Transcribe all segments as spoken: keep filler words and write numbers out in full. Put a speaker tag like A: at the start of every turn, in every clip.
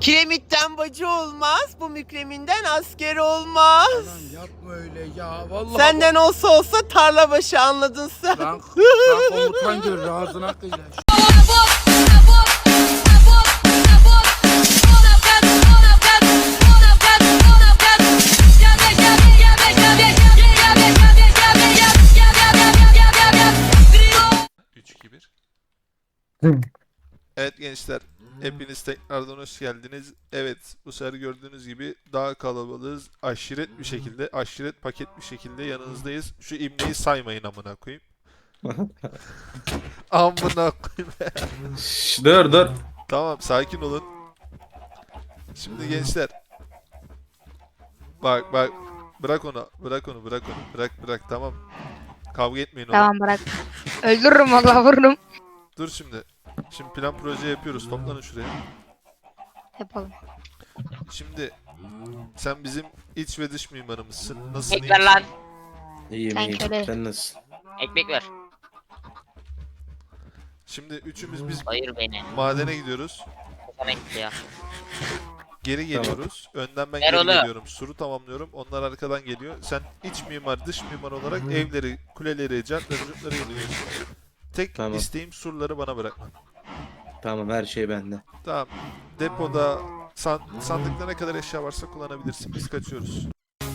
A: Kiremitten bacı olmaz, bu mükreminden asker olmaz.
B: Lan yapma öyle ya. Vallahi
A: Senden olsa olsa tarla başı, anladın sen.
B: Lan, lan komutan görür ağzına kıyla.
C: üç iki bir. Evet gençler, hepiniz tekrardan hoş geldiniz. Evet, bu sefer gördüğünüz gibi daha kalabalığız. Aşiret bir şekilde, aşiret paket bir şekilde yanınızdayız. Şu imleyi saymayın amına koyayım. Amına koyayım.
D: Şş, dur dur.
C: Tamam, sakin olun. Şimdi gençler. Bak bak, bırak onu, bırak onu, bırak onu, bırak bırak, tamam. Kavga etmeyin oğlum.
E: Tamam bırak. Öldürürüm valla vururum.
C: Dur şimdi. Şimdi plan proje yapıyoruz. Toplanın şuraya.
E: Yapalım.
C: Şimdi sen bizim iç ve dış mimarımızsın. Nasılsın?
F: Ekmek ver lan.
D: İyiyim
E: Sen
D: iyiyim.
E: köle.
D: Sen nasılsın?
F: Ekmek ver.
C: Şimdi üçümüz biz
F: Hayır beni.
C: madene gidiyoruz.
F: Sana gitti ya.
C: Geri geliyoruz. Önden ben
F: Ver
C: geri
F: oğlum.
C: geliyorum. Suru tamamlıyorum. Onlar arkadan geliyor. Sen iç mimar, dış mimar olarak evleri, kuleleri, cartları, curtları geliyorsun. Tek
D: Tamam.
C: isteğim surları bana bırakma.
D: Tamam, her şey bende.
C: Tamam. Depoda, san, sandıkta ne kadar eşya varsa kullanabilirsin. Biz kaçıyoruz.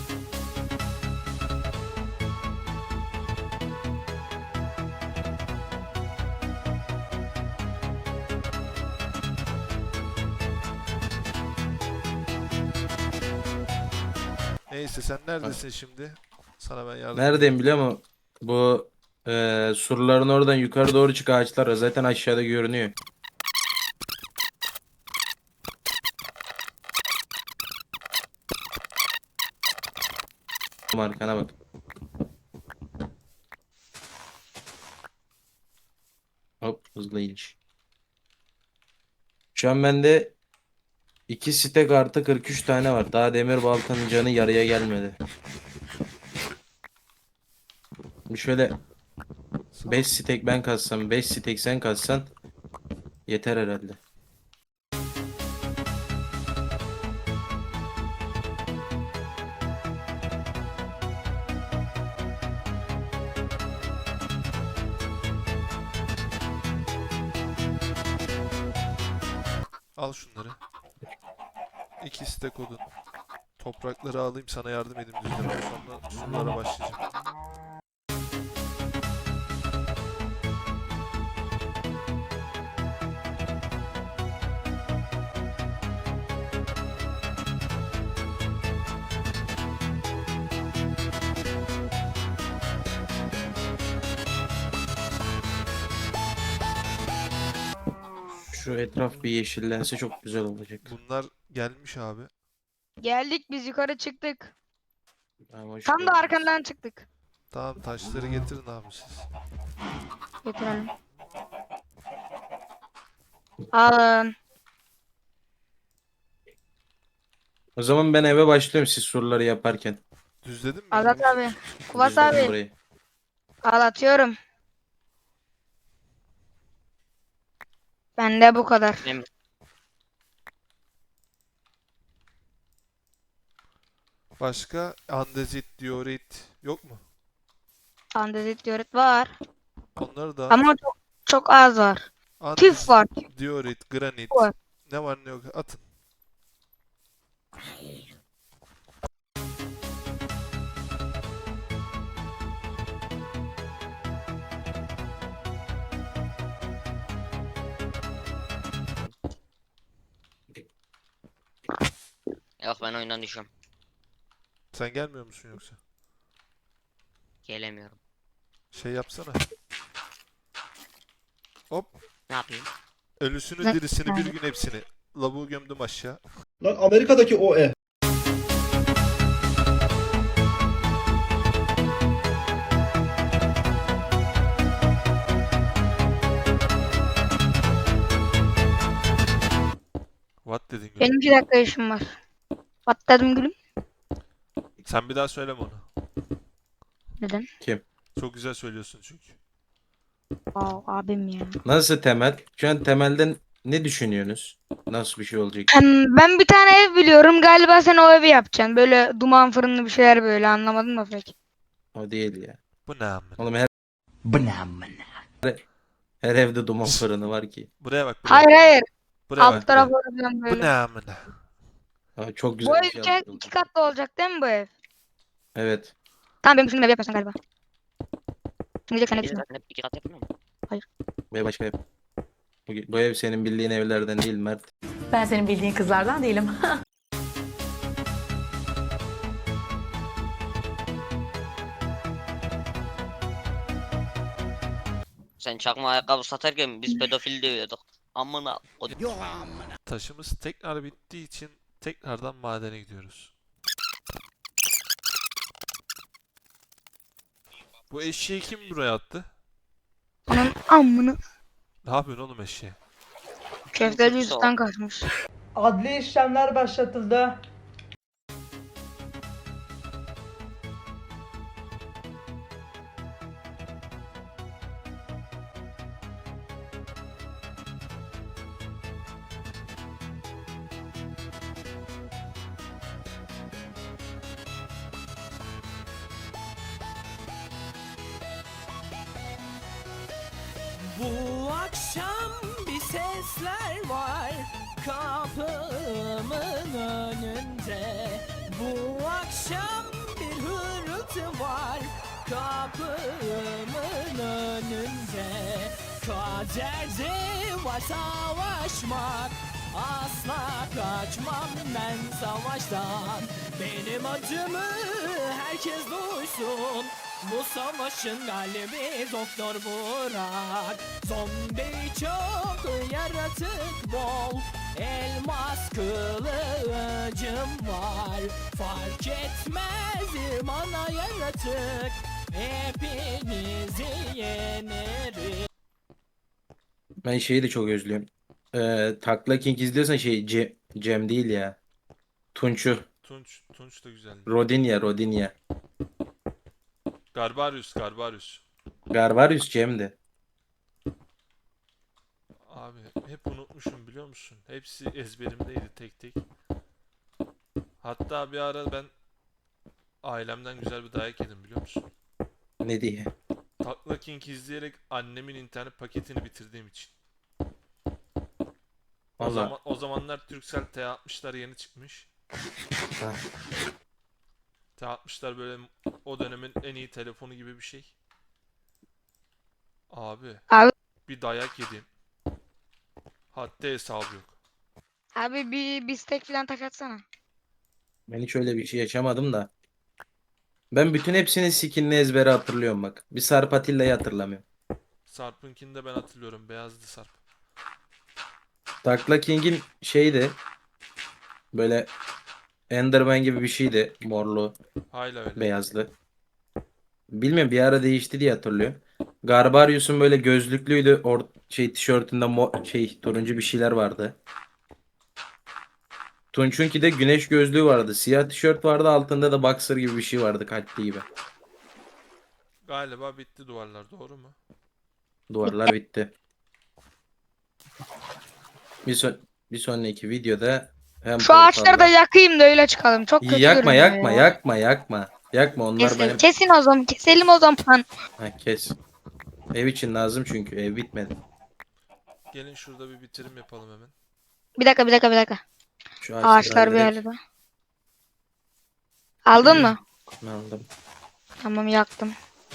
C: Neyse, sen neredesin şimdi? Sana ben yardım
D: Neredeyim biliyor musun? Bu eee surların oradan yukarı doğru çık, ağaçlar var. Zaten aşağıda görünüyor. Arkana bak. Hop, hızlı iniş. Şu an bende iki stek artı kırk üç tane var. Daha demir baltanın canı yarıya gelmedi. Şimdi şöyle beş stek ben kassam, beş stek sen kassan yeter herhalde.
C: Al şunları. İkisi de kodun. Toprakları alayım, sana yardım edeyim düzlemeye. Sonra surlara başlayacağım.
D: Şu etraf bir yeşillense çok güzel olacak.
C: Bunlar gelmiş abi.
E: Geldik biz yukarı çıktık.
D: Ama hoş
E: Tam da
D: geldiniz.
E: arkandan çıktık.
C: Tamam, taşları getirin abi siz.
E: Getirelim. Alın.
D: O zaman ben eve başlıyorum siz soruları yaparken.
C: Düzledin mi?
E: Azat abi. Kuvas
D: Düzledim
E: abi.
D: burayı.
E: Al atıyorum. Bende bu kadar.
F: Benim
C: Başka andezit, diorit yok mu?
E: Andezit diorit var.
C: Onları da
E: Ama çok çok az var.
C: andezit,
E: Tüf var.
C: diorit, granit,
E: Var.
C: ne var ne yok atın.
F: yok ben oyundan düşüyorum.
C: Sen gelmiyor musun yoksa?
F: Gelemiyorum.
C: Şey yapsana. Hop.
F: Ne yapayım?
C: Ölüsünü
E: Ne-
C: dirisini bir gün hepsini. Lavuğu gömdüm aşağı.
G: Lan Amerika'daki o E.
C: What dedin gülüm?
E: Benim iki dakika işim var. Patladım gülüm.
C: Sen bir daha söyleme onu.
E: Neden?
C: Çok güzel söylüyorsun çünkü.
E: Aa, abim ya.
D: Nasıl temel? Şu an temelden Ne düşünüyorsunuz? Nasıl bir şey olacak?
E: Hem ben bir tane ev biliyorum. Galiba sen o evi yapacaksın. Böyle duman fırınlı bir şeyler böyle. Anlamadım da pek.
D: O değil ya.
C: Bu ne amına?
D: Oğlum her, her evde duman fırını var ki.
C: Buraya bak buraya.
E: Hayır hayır.
C: Buraya
E: Alt
C: bak buraya.
E: tarafı falan
C: Bu
E: böyle.
C: ne amına?
D: Aa, çok
E: Bu
D: güzel
E: ev
D: bir şey
E: iki,
D: yaptırıldı.
E: iki katlı olacak değil mi bu ev?
D: Evet.
E: Tamam benim düşündüğüm evi yapıyorsun galiba. Şimdi diyecek sen ne
F: Biz
E: düşünüyorsun?
F: zaten hep iki kat yapmıyor mu?
D: Ve başka ev. Bu, bu ev senin bildiğin evlerden değil Mert.
H: Ben senin bildiğin kızlardan değilim.
F: Sen çakma ayakkabı satarken biz pedofil dövüyorduk. Amına kodum.
C: Taşımız tekrar bittiği için tekrardan madene gidiyoruz. Bu eşeği kim buraya attı?
E: Onun amını.
C: Ne yapıyorsun oğlum eşeğe?
E: Köfteci üstten kaçmış.
I: Adli işlemler başlatıldı.
A: Bu akşam bir sesler var kapımın önünde. Bu akşam bir hırıltı var kapımın önünde. Kaderde var savaşmak, asla kaçmam ben savaştan. Benim acımı herkes duysun. Bu savaşın galibi Doktor Burak. Zombi çok, yaratık bol, elmas kılıcım var. Fark etmez bana yaratık, hepinizi yenerim.
D: Ben şeyi de çok özlüyorum. Ee, Takla King izliyorsan şey Ce- Cem değil ya. Tunç'u.
C: Tunç, Tunç da güzeldi.
D: Rodinya, Rodinya.
C: Garbarius, Garbarius.
D: Garvarius Cem'di.
C: Abi hep unutmuşum biliyor musun? Hepsi ezberimdeydi tek tek. Hatta bir ara ben ailemden güzel bir dayak yedim biliyor musun?
D: Ne diye?
C: Takla King izleyerek annemin internet paketini bitirdiğim için. O
D: Vallahi.
C: zaman o zamanlar Turkcell T altmışlar yeni çıkmış.
D: Ha.
C: T altmışlar böyle o dönemin en iyi telefonu gibi bir şey. Abi
E: Abi,
C: bir dayak yedim. Hatta hesabı yok.
E: abi bir bistek falan taş atsana.
D: Ben hiç öyle bir şey yaşamadım da. Ben bütün hepsinin skinini ezbere hatırlıyorum bak. Bir Sarp Atilla'yı hatırlamıyorum.
C: Sarp'ınkini de ben hatırlıyorum. Beyazdı Sarp.
D: Takla King'in şeydi. Böyle Enderman gibi bir şeydi. Morlu,
C: Hala öyle.
D: beyazlı. Bilmiyorum bir ara değişti diye hatırlıyorum. Garbarius'un böyle gözlüklüydü. Or şey tişörtünde mor şey turuncu bir şeyler vardı. Tunç'unki de güneş gözlüğü vardı. Siyah tişört vardı. Altında da boxer gibi bir şey vardı. Kalpli gibi.
C: Galiba bitti duvarlar doğru mu?
D: Duvarlar bitti. Bir, son bir sonraki videoda hem
E: Şu ağaçları da
D: portallar-
E: yakayım da öyle çıkalım. Çok kötü
D: yakma
E: görünüyor
D: yakma
E: ya.
D: yakma yakma. Yakma onlar
E: Kesin,
D: benim.
E: kesin o zaman. Keselim o zaman.
D: Ha, kes. Ev için lazım çünkü ev bitmedi.
C: Gelin şurada bir bitirim yapalım hemen.
E: Bir dakika bir dakika bir dakika.
D: Şu
E: Ağaçlar bir
D: halledek.
E: yerde. Aldın mı?
D: Aldım.
E: Tamam yaktım.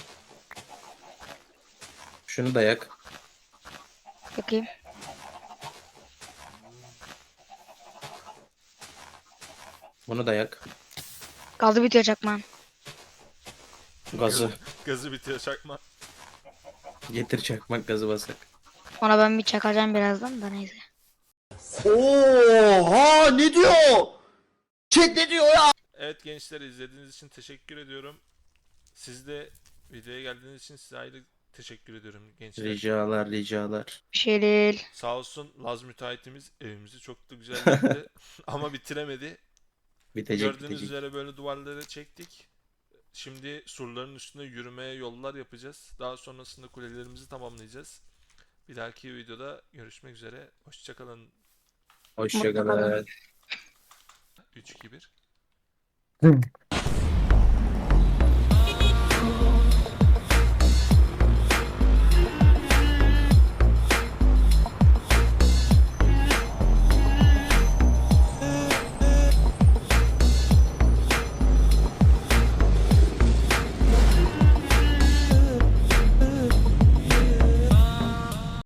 D: Şunu da yak.
E: Yakayım.
D: Bunu da yak.
E: Gazı bitiyor çakmağın.
D: Gazı.
C: Gazı bitiyor çakma.
D: Getir çakmak gazı basak.
E: Ona ben bir çakacağım birazdan da neyse.
G: Oha ne diyor? Chat ne diyor ya?
C: Evet gençler izlediğiniz için teşekkür ediyorum. Siz de videoya geldiğiniz için size ayrı teşekkür ediyorum gençler.
D: Ricalar ricalar.
E: Bir şey değil.
C: Sağ olsun Laz müteahhitimiz evimizi çok da güzel yaptı ama bitiremedi.
D: Bitecek
C: Gördüğünüz
D: bitecek.
C: üzere böyle duvarları çektik. Şimdi surların üstünde yürümeye yollar yapacağız. Daha sonrasında kulelerimizi tamamlayacağız. Bir dahaki videoda görüşmek üzere. Hoşçakalın.
D: Hoşçakalın.
C: üç iki bir